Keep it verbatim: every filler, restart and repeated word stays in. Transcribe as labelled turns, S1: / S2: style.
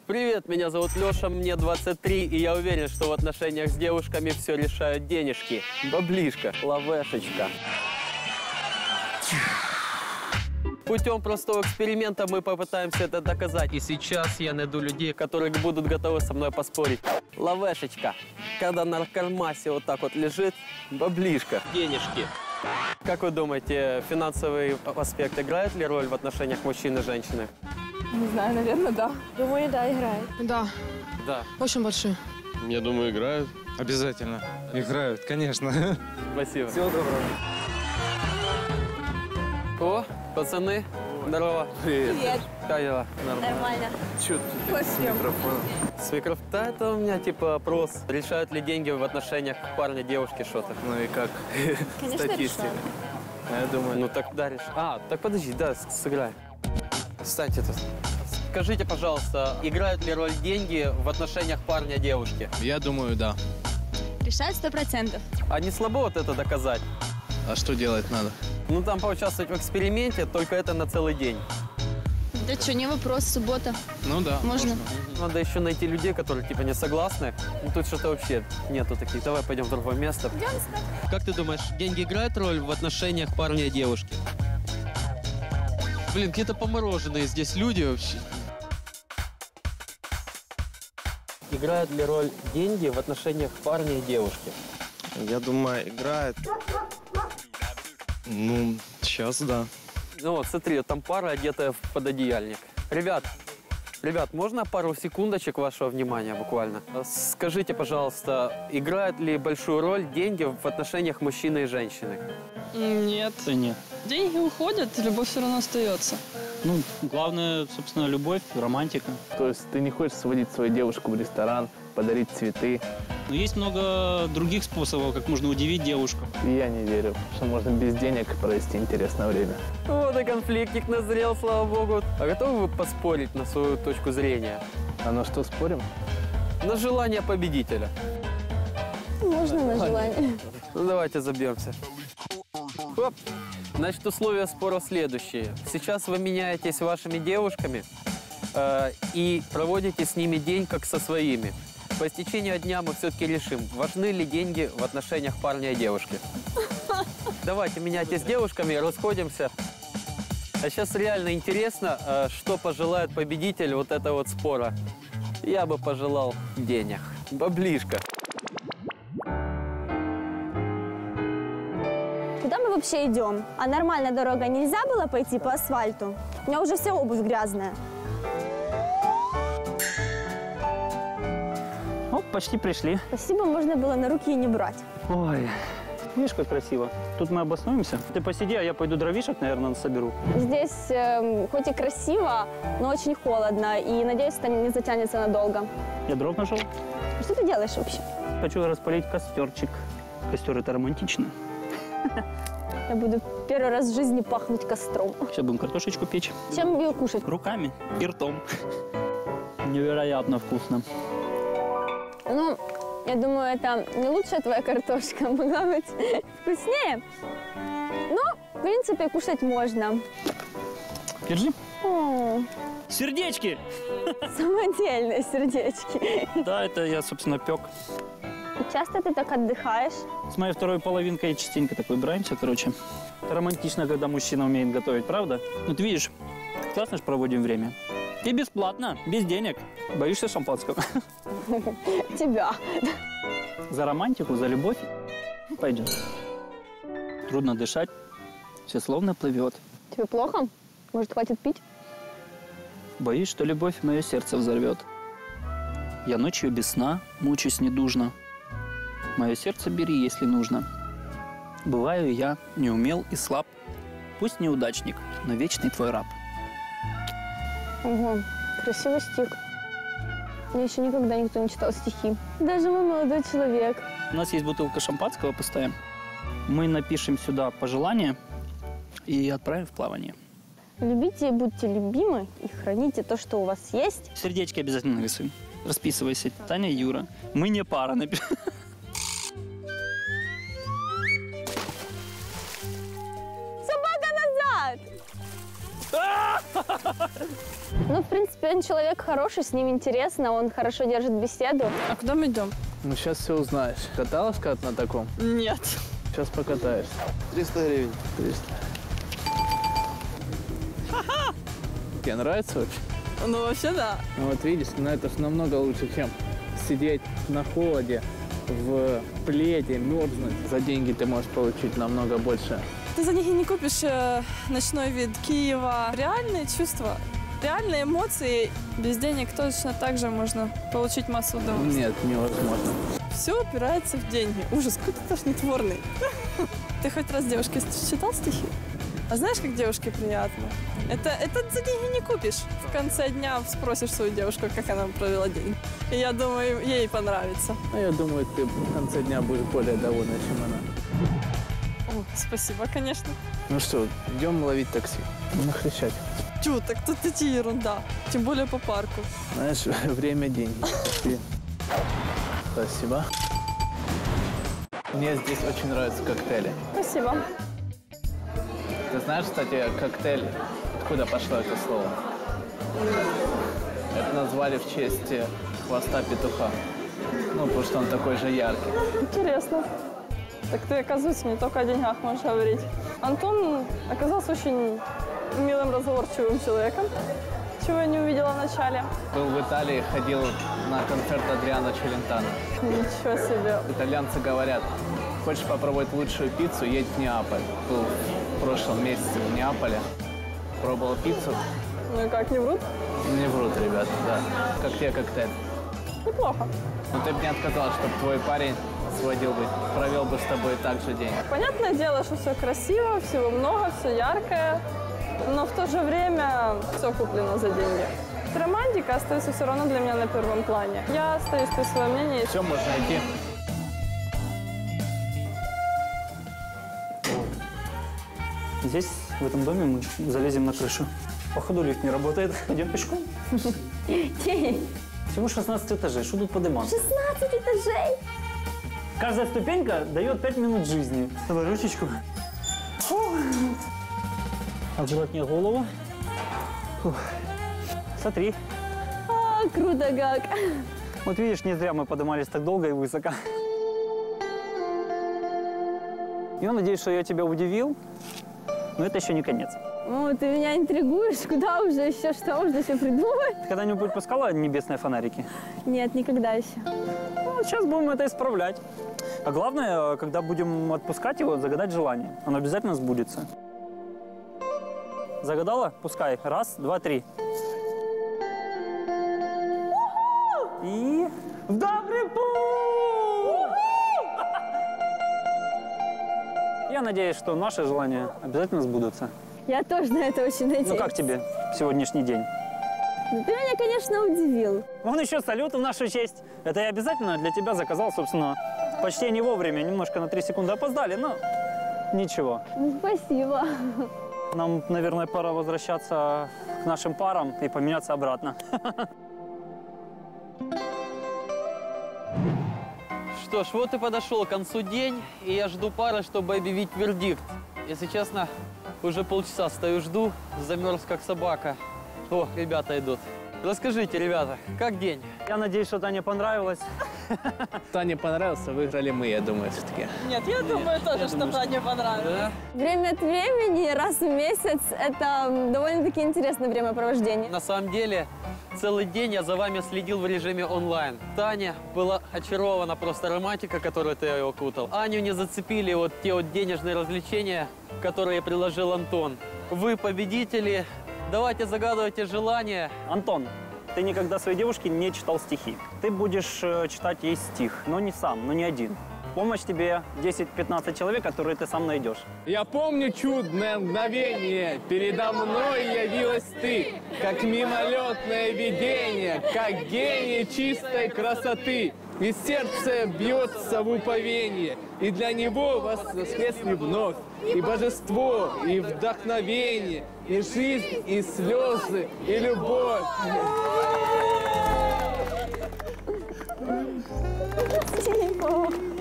S1: Привет, меня зовут Леша, мне двадцать три, и я уверен, что в отношениях с девушками все решают денежки. Баблишка, лавешечка. Путем простого эксперимента мы попытаемся это доказать. И сейчас я найду людей, которые будут готовы со мной поспорить. Лавешечка, когда на кармасе вот так вот лежит, баблишка, денежки. Как вы думаете, финансовый аспект играет ли роль в отношениях мужчины и женщины?
S2: Не знаю, наверное, да.
S3: Думаю, да, играет.
S2: Да.
S1: Да.
S2: Очень большие.
S4: Я думаю, играют.
S5: Обязательно. Играют, конечно.
S1: Спасибо.
S5: Всего доброго.
S1: О, пацаны, здорово.
S5: Привет.
S3: Привет.
S1: Как дела?
S3: Нормально.
S5: Чё ты с микрофоном?
S1: С микрофона? Да, это у меня типа опрос. Решают ли деньги в отношениях парня, девушки, что-то?
S5: Ну и как?
S3: Конечно,
S5: Статистика.
S3: решаю.
S5: Я думаю,
S1: Ну так да, решай. А, так подожди, да, с- сыграй. Встаньте тут. Скажите, пожалуйста, играют ли роль деньги в отношениях парня, девушки?
S4: Я думаю, да.
S3: Решает сто процентов.
S1: А не слабо вот это доказать?
S4: А что делать надо?
S1: Ну там поучаствовать в эксперименте, только это на целый день.
S3: Да что, не вопрос, суббота.
S4: Ну да.
S3: Можно.
S1: Надо еще найти людей, которые типа не согласны. Ну тут что-то вообще нету таких. Давай пойдем в другое место. Как ты думаешь, деньги играют роль в отношениях парня и девушки? Блин, какие-то помороженные здесь люди вообще. Играют ли роль деньги в отношениях парня и девушки?
S5: я думаю, играет.
S4: Ну, сейчас да.
S1: Ну вот, смотри, там пара, одетая в пододеяльник. Ребят, ребят, можно пару секундочек вашего внимания буквально? Скажите, пожалуйста, играют ли большую роль деньги в отношениях мужчины и женщины?
S6: Нет.
S7: Да нет.
S6: Деньги уходят, любовь все равно остается.
S7: Ну, главное, собственно, любовь, романтика.
S8: То есть ты не хочешь сводить свою девушку в ресторан, подарить цветы.
S7: Но есть много других способов, как можно удивить девушку.
S8: И я не верю, что можно без денег провести интересное время.
S1: Вот и конфликтик назрел, слава богу. А готовы вы поспорить на свою точку зрения?
S8: А на что спорим?
S1: На желание победителя.
S3: Можно на желание.
S1: Ну давайте забьемся. Оп. Значит, условия спора следующие. Сейчас вы меняетесь вашими девушками э, и проводите с ними день как со своими. По истечению дня мы все-таки решим, важны ли деньги в отношениях парня и девушки. Давайте меняйтесь с девушками, расходимся. А сейчас реально интересно, э, что пожелает победитель вот этого вот спора. Я бы пожелал денег. Баблишка.
S3: Куда мы вообще идем? А нормальная дорога нельзя было пойти по асфальту? У меня уже вся обувь грязная.
S7: О, почти пришли.
S3: Спасибо, можно было на руки и не брать.
S7: Ой, видишь, как красиво. Тут мы обоснуемся. Ты посиди, а я пойду дровишек, наверное, соберу.
S3: Здесь эм, хоть и красиво, но очень холодно. И надеюсь, это не затянется надолго.
S7: Я дров нашел.
S3: Что ты делаешь вообще?
S7: Хочу распалить костерчик. Костер — это романтично.
S3: Я буду первый раз в жизни пахнуть костром.
S7: Сейчас будем картошечку печь.
S3: Чем ее кушать?
S7: Руками и ртом. Невероятно вкусно.
S3: Ну, я думаю, это не лучшая твоя картошка. Могла быть вкуснее. Но, в принципе, кушать можно.
S7: Держи.
S3: О,
S7: Сердечки!
S3: самодельные сердечки.
S7: Да, это я, собственно, пек.
S3: Часто ты так отдыхаешь?
S7: С моей второй половинкой частенько так выбираемся, короче. Это романтично, когда мужчина умеет готовить, правда? Вот видишь, классно же проводим время. И бесплатно, без денег. Боишься шампанского?
S3: Тебя.
S7: За романтику, за любовь. Пойдем. Трудно дышать, все словно плывет.
S3: Тебе плохо? Может, хватит пить?
S7: Боюсь, что любовь мое сердце взорвет. Я ночью без сна мучусь недужно. Мое сердце бери, если нужно. Бываю я неумел и слаб. Пусть неудачник, но вечный твой раб.
S3: Ого, красивый стих. Мне еще никогда никто не читал стихи. Даже мой молодой человек.
S7: У нас есть бутылка шампанского, поставим. Мы напишем сюда пожелания и отправим в плавание.
S3: Любите и будьте любимы, и храните то, что у вас есть.
S7: Сердечки обязательно нарисуем. Расписывайся. Таня, Юра. Мы не пара. Напишем.
S3: Собака назад! Ну, в принципе, он человек хороший, с ним интересно, он хорошо держит беседу.
S6: А куда мы идем?
S8: Ну, сейчас все узнаешь. Каталась как на таком?
S6: Нет.
S8: Сейчас покатаешься.
S5: триста гривен.
S8: триста. Тебе нравится вообще?
S6: Ну, вообще, да.
S8: Ну вот видишь, но это ж намного лучше, чем сидеть на холоде, в пледе, мерзнуть. За деньги ты можешь получить намного больше.
S6: Ты за них и не купишь э, ночной вид Киева. Реальные чувства, реальные эмоции. Без денег точно так же можно получить массу удовольствия.
S8: Нет, невозможно.
S6: Все упирается в деньги. Ужас, какой ты тошнотворный. Ты хоть раз девушке читал стихи? А знаешь, как девушке приятно? Это, это за деньги не купишь. В конце дня спросишь свою девушку, как она провела день. И я думаю, ей понравится.
S8: А я думаю, ты в конце дня будешь более довольна, чем она.
S6: О, спасибо, конечно.
S8: Ну что, идем ловить такси. Нахрещать.
S6: Чё, так тут идти ерунда. Тем более по парку.
S8: Знаешь, время – деньги. Пошли. Спасибо. Мне здесь очень нравятся коктейли.
S3: Спасибо.
S8: Ты знаешь, кстати, коктейль, откуда пошло это слово? Это назвали в честь хвоста петуха. Ну, потому что он такой же яркий.
S6: Интересно. Так ты, оказывается, не только о деньгах можешь говорить. Антон оказался очень милым, разговорчивым человеком, чего я не увидела в начале.
S8: Был в Италии, ходил на концерт Адриано Челентано.
S6: Ничего себе.
S8: Итальянцы говорят, хочешь попробовать лучшую пиццу, едь в Неаполь. Был в прошлом месяце в Неаполе, пробовал пиццу.
S6: Ну и как, не врут?
S8: Не врут, ребята, да. Как тебе коктейль?
S6: Неплохо.
S8: Но ты бы не отказалась, чтобы твой парень сводил бы, провел бы с тобой так же день.
S6: Понятное дело, что все красиво, всего много, все яркое, но в то же время все куплено за деньги. Романтика остается все равно для меня на первом плане. Я остаюсь при своем мнении.
S8: Все, можно идти.
S7: Здесь, в этом доме, мы залезем на крышу. Походу лифт не работает. Пойдем пешком. Всего шестнадцать этажей. Что тут подниматься?
S3: шестнадцать этажей.
S7: Каждая ступенька дает пять минут жизни. Давай ручечку. Фу. Аккуратнее голову. Фух. Смотри.
S3: О, круто как.
S7: Вот видишь, не зря мы поднимались так долго и высоко. Я надеюсь, что я тебя удивил, но это еще не конец.
S3: О, ты меня интригуешь. Куда уже еще? Что можно еще придумать?
S7: Ты когда-нибудь пускала небесные фонарики?
S3: Нет, никогда еще.
S7: Ну, вот сейчас будем это исправлять. А главное, когда будем отпускать его, загадать желание. Оно обязательно сбудется. Загадала? Пускай. Раз, два, три. И в добрый путь! Я надеюсь, что наши желания обязательно сбудутся.
S3: Я тоже на это очень надеюсь.
S7: Ну как тебе сегодняшний день?
S3: Ну, ты меня, конечно, удивил.
S7: Вон еще салют в нашу честь. Это я обязательно для тебя заказал, собственно, почти не вовремя. Немножко на три секунды опоздали, но ничего.
S3: Ну, спасибо.
S7: Нам, наверное, пора возвращаться к нашим парам и поменяться обратно.
S1: Что ж, вот и подошел к концу день, и я жду пары, чтобы объявить вердикт. Если честно, уже полчаса стою, жду, замерз как собака. О, ребята идут. Расскажите, ребята, как день?
S7: Я надеюсь, что Тане понравилось.
S4: Тане понравился, выиграли мы, я думаю, все-таки.
S6: Нет, я думаю тоже, что мне понравилось.
S1: Да?
S3: Время от времени, раз в месяц, это довольно-таки интересное времяпровождение.
S1: На самом деле, целый день я за вами следил в режиме онлайн. Таня была очарована просто романтика, которую ты ее окутал. Аню не зацепили вот те вот денежные развлечения, которые приложил Антон. Вы победители. Давайте загадывайте желания.
S7: Антон, ты никогда своей девушке не читал стихи. Ты будешь э, читать ей стих, но не сам, но не один. В помощь тебе десять-пятнадцать человек, которые ты сам найдешь.
S4: Я помню чудное мгновение, передо мной явилась ты, как мимолетное видение, как гений чистой красоты. И сердце бьется в уповение, и для него воскресли вновь и божество, и вдохновение, и жизнь, и слезы, и любовь.
S3: Спасибо.